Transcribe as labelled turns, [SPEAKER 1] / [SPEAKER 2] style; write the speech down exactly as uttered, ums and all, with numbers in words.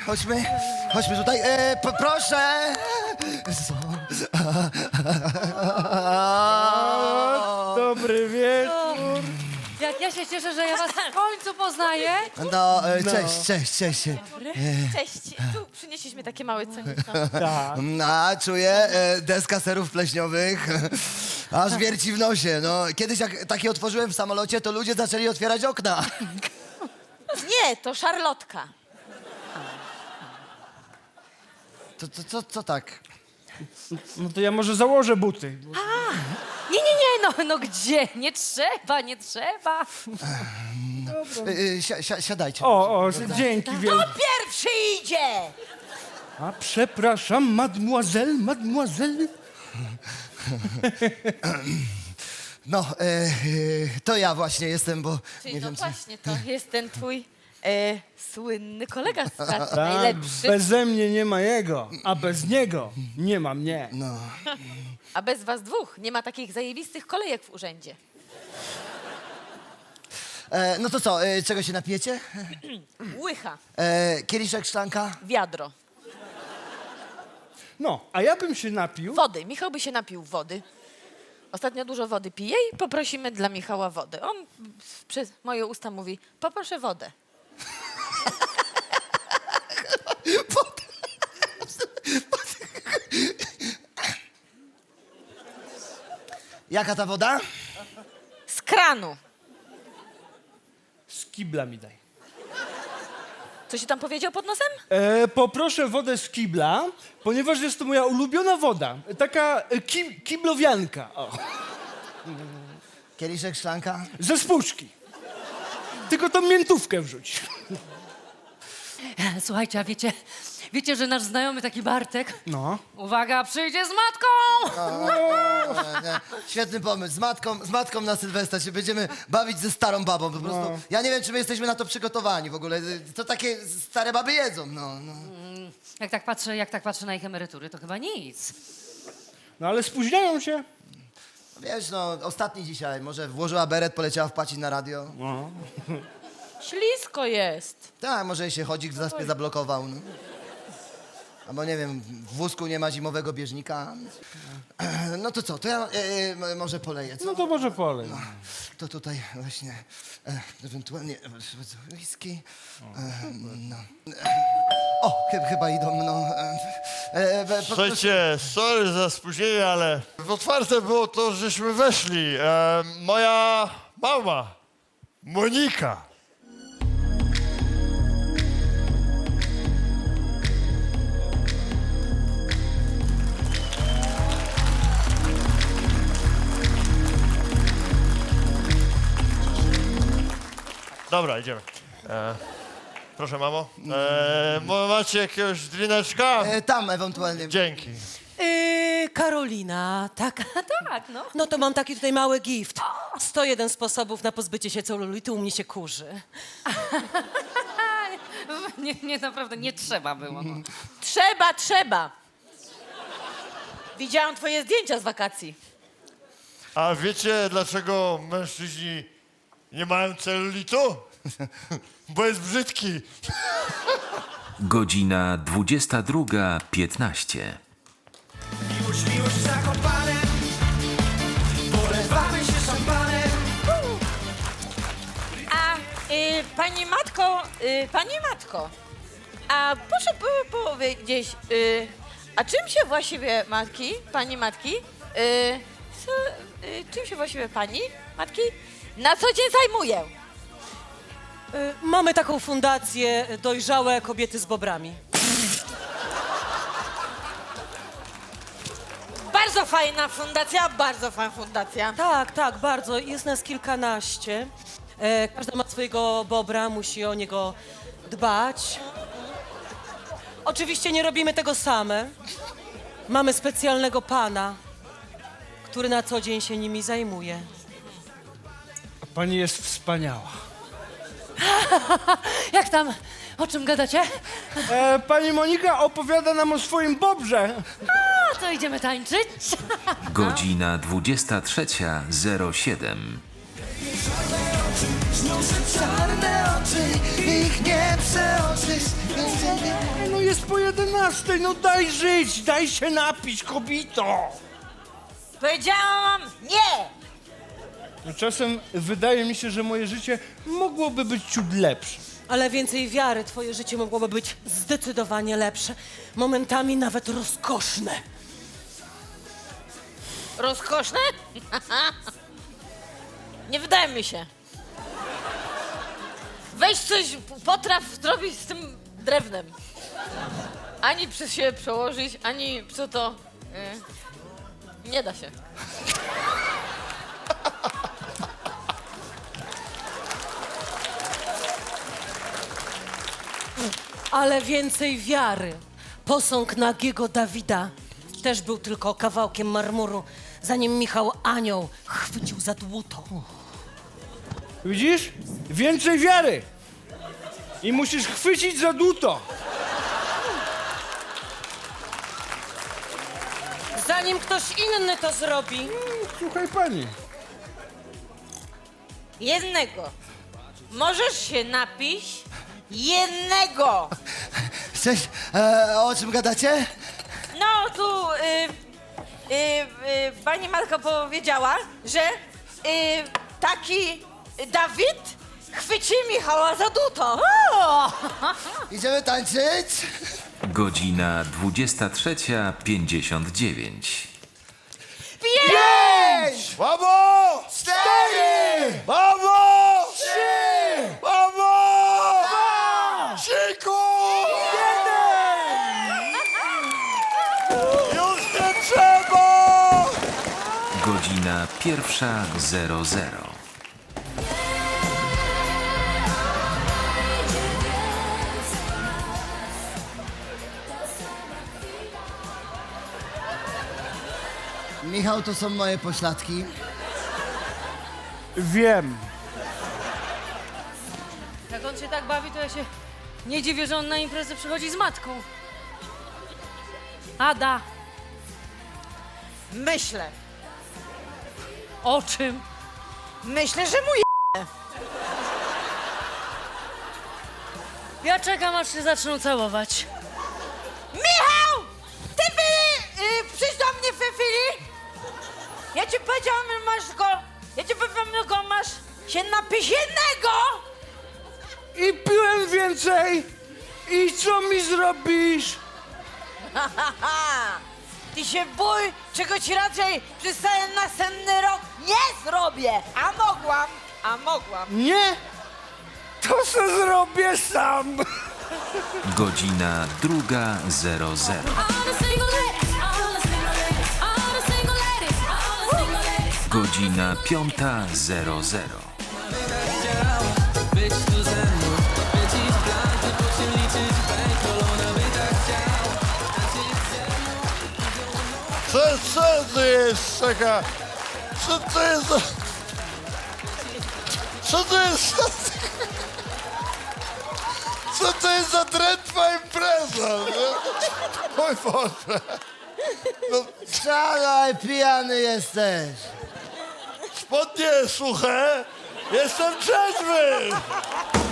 [SPEAKER 1] chodźmy, chodźmy tutaj. E, po, proszę.
[SPEAKER 2] Dobry wieczór.
[SPEAKER 3] Jak ja się cieszę, że ja was w końcu poznaję.
[SPEAKER 1] No, e, cześć, cześć, cześć.
[SPEAKER 4] Cześć, tu przynieśliśmy takie małe ceniki.
[SPEAKER 2] Tak.
[SPEAKER 1] A, czuję e, deska serów pleśniowych. Aż wierci w nosie. No, kiedyś jak takie otworzyłem w samolocie, to ludzie zaczęli otwierać okna.
[SPEAKER 4] Nie, to szarlotka.
[SPEAKER 1] To, to, co, co tak?
[SPEAKER 2] No to ja może założę buty.
[SPEAKER 3] Nie, nie, nie, no, no gdzie? Nie trzeba, nie trzeba.
[SPEAKER 1] E, e, si, si, siadajcie.
[SPEAKER 2] O, o, dzięki wielkie.
[SPEAKER 4] Pierwszy idzie!
[SPEAKER 2] A przepraszam, mademoiselle, mademoiselle.
[SPEAKER 1] No, e, e, to ja właśnie jestem, bo
[SPEAKER 4] Czyli
[SPEAKER 1] nie
[SPEAKER 4] no
[SPEAKER 1] wiem, czy...
[SPEAKER 4] właśnie, to jest ten twój e, słynny kolega z pracy,
[SPEAKER 2] Tak,
[SPEAKER 4] najlepszy.
[SPEAKER 2] beze mnie nie ma jego, a bez niego nie ma mnie.
[SPEAKER 1] No.
[SPEAKER 4] A bez was dwóch nie ma takich zajebistych kolejek w urzędzie.
[SPEAKER 1] E, no to co, e, czego się napijecie?
[SPEAKER 4] Łycha,
[SPEAKER 1] E, kieliszek, szklanka?
[SPEAKER 4] wiadro,
[SPEAKER 2] No, a ja bym się napił.
[SPEAKER 4] wody. Michał by się napił wody. Ostatnio dużo wody pije i poprosimy dla Michała wodę. On przez moje usta mówi, poproszę wodę.
[SPEAKER 1] Jaka ta woda?
[SPEAKER 4] Z kranu.
[SPEAKER 2] Z kibla mi daj.
[SPEAKER 4] Co się tam powiedział pod nosem?
[SPEAKER 2] E, poproszę wodę z kibla, ponieważ jest to moja ulubiona woda. Taka e, ki, kiblowianka. O.
[SPEAKER 1] Kieliszek, szklanka?
[SPEAKER 2] Ze spuszki. Tylko tą miętówkę wrzuć.
[SPEAKER 3] Słuchajcie, a wiecie, wiecie, że nasz znajomy taki Bartek,
[SPEAKER 2] No.
[SPEAKER 3] uwaga, przyjdzie z matką!
[SPEAKER 1] E, nie. Świetny pomysł. Z matką, z matką na Sylwestra się będziemy bawić ze starą babą. Po prostu.
[SPEAKER 2] No.
[SPEAKER 1] Ja nie wiem, czy my jesteśmy na to przygotowani w ogóle. To takie stare baby jedzą. No, no.
[SPEAKER 3] Jak tak patrzę, jak tak patrzę na ich emerytury, to chyba nic.
[SPEAKER 2] No ale spóźniają się.
[SPEAKER 1] Wiesz, no, ostatni dzisiaj. Może włożyła beret, poleciała wpacić na radio.
[SPEAKER 2] No.
[SPEAKER 4] Ślisko jest.
[SPEAKER 1] Tak, może jej się chodzik w zaspie zablokował. No. Albo nie wiem, w wózku nie ma zimowego bieżnika. E, No to co, to ja e, e, może poleję, co?
[SPEAKER 2] No to może polej.
[SPEAKER 1] To tutaj właśnie e, ewentualnie e, whisky. E, no. E, o, chy- chyba idą, no. E, e, po-
[SPEAKER 5] Słuchajcie, sorry za spóźnienie, ale otwarte było to, żeśmy weszli. E, moja mama, Monika. Dobra, idziemy. E, proszę, mamo. E, mo- macie jakiegoś drineczka?
[SPEAKER 1] e, tam ewentualnie.
[SPEAKER 5] Dzięki.
[SPEAKER 6] Yy, Karolina, tak?
[SPEAKER 3] Tak, no.
[SPEAKER 6] No to mam taki tutaj mały gift. sto jeden sposobów na pozbycie się celulitu, u mnie się kurzy.
[SPEAKER 3] Nie, nie, naprawdę nie trzeba było. No.
[SPEAKER 4] Trzeba, trzeba. Widziałam twoje zdjęcia z wakacji.
[SPEAKER 5] A wiecie, dlaczego mężczyźni nie mają celulitu? Bo jest brzydki.
[SPEAKER 7] Godzina dwudziesta druga piętnaście.
[SPEAKER 8] Miłość, miłość zakopane, polewamy się szampanem.
[SPEAKER 4] A y, pani matko, y, pani matko, a proszę by powiedzieć, y, a czym się właściwie matki, pani matki, y, co, y, czym się właściwie pani matki na co dzień zajmuje?
[SPEAKER 6] Yy, mamy taką fundację Dojrzałe Kobiety z Bobrami.
[SPEAKER 4] Bardzo fajna fundacja, bardzo fajna fundacja.
[SPEAKER 6] Tak, tak, bardzo. Jest nas kilkanaście. E, każda ma swojego bobra, musi o niego dbać. Oczywiście nie robimy tego same. Mamy specjalnego pana, który na co dzień się nimi zajmuje.
[SPEAKER 2] A pani jest wspaniała.
[SPEAKER 3] Jak tam, o czym gadacie?
[SPEAKER 2] E, pani Monika opowiada nam o swoim bobrze.
[SPEAKER 3] A to idziemy tańczyć?
[SPEAKER 7] Godzina dwudziesta trzecia zero siedem.
[SPEAKER 8] Szalone
[SPEAKER 1] Czarne oczy, ich nie przeoczysz.
[SPEAKER 2] No jest po jedenastej, no daj żyć, daj się napić, kobito.
[SPEAKER 4] Powiedziałam nie!
[SPEAKER 2] No czasem wydaje mi się, że moje życie mogłoby być ciut lepsze.
[SPEAKER 6] Ale więcej wiary, twoje życie mogłoby być zdecydowanie lepsze. Momentami nawet rozkoszne.
[SPEAKER 4] Rozkoszne? Nie wydaje mi się. Weź coś, potraw zrobić z tym drewnem. Ani przez siebie przełożyć, ani co to... y, nie da się.
[SPEAKER 6] Ale więcej wiary. Posąg nagiego Dawida też był tylko kawałkiem marmuru, zanim Michał Anioł chwycił za dłuto.
[SPEAKER 2] Widzisz? Więcej wiary. I musisz chwycić za dłuto.
[SPEAKER 6] Zanim ktoś inny to zrobi.
[SPEAKER 2] Słuchaj pani.
[SPEAKER 4] Jednego. Możesz się napić jednego.
[SPEAKER 1] Cześć, e, o czym gadacie?
[SPEAKER 4] No tu y, y, y, pani Matka powiedziała, że y, taki Dawid chwyci Michała za duto. O!
[SPEAKER 1] Idziemy tańczyć?
[SPEAKER 7] Godzina dwudziesta trzecia pięćdziesiąt dziewięć.
[SPEAKER 1] Pięć!
[SPEAKER 5] Mamo!
[SPEAKER 1] Cztery!
[SPEAKER 5] Mamo!
[SPEAKER 1] Trzy!
[SPEAKER 5] Mamo!
[SPEAKER 1] Dwa!
[SPEAKER 5] Ciku! Już nie trzeba!
[SPEAKER 7] Godzina pierwsza zero zero.
[SPEAKER 1] Michał, to są moje pośladki.
[SPEAKER 2] Wiem.
[SPEAKER 3] Jak on się tak bawi, to ja się nie dziwię, że on na imprezę przychodzi z matką. Ada,
[SPEAKER 4] Myślę.
[SPEAKER 3] o czym?
[SPEAKER 4] Myślę, że mój
[SPEAKER 3] Ja czekam, aż się zaczną całować.
[SPEAKER 4] Michał! Ty Fili! Y, przyjdź do mnie, Fili! Ja ci powiedziałam, że masz go... Ja ci powiedziałam, że go masz się napić jednego!
[SPEAKER 2] I piłem więcej. I co mi zrobisz?
[SPEAKER 4] Haha! Ty się bój, czego ci raczej przez cały następny rok nie zrobię! A mogłam! A mogłam!
[SPEAKER 2] Nie? To se zrobię sam.
[SPEAKER 7] Godzina druga zero zero. Godzina piąta zero zero.
[SPEAKER 5] Co, co to jest taka... Co to jest za... Co to jest za... Co to jest za drętwa impreza? No? Mój Boże. No,
[SPEAKER 1] Szalaj, pijany jesteś.
[SPEAKER 5] spodnie suche, jestem trzeźwy.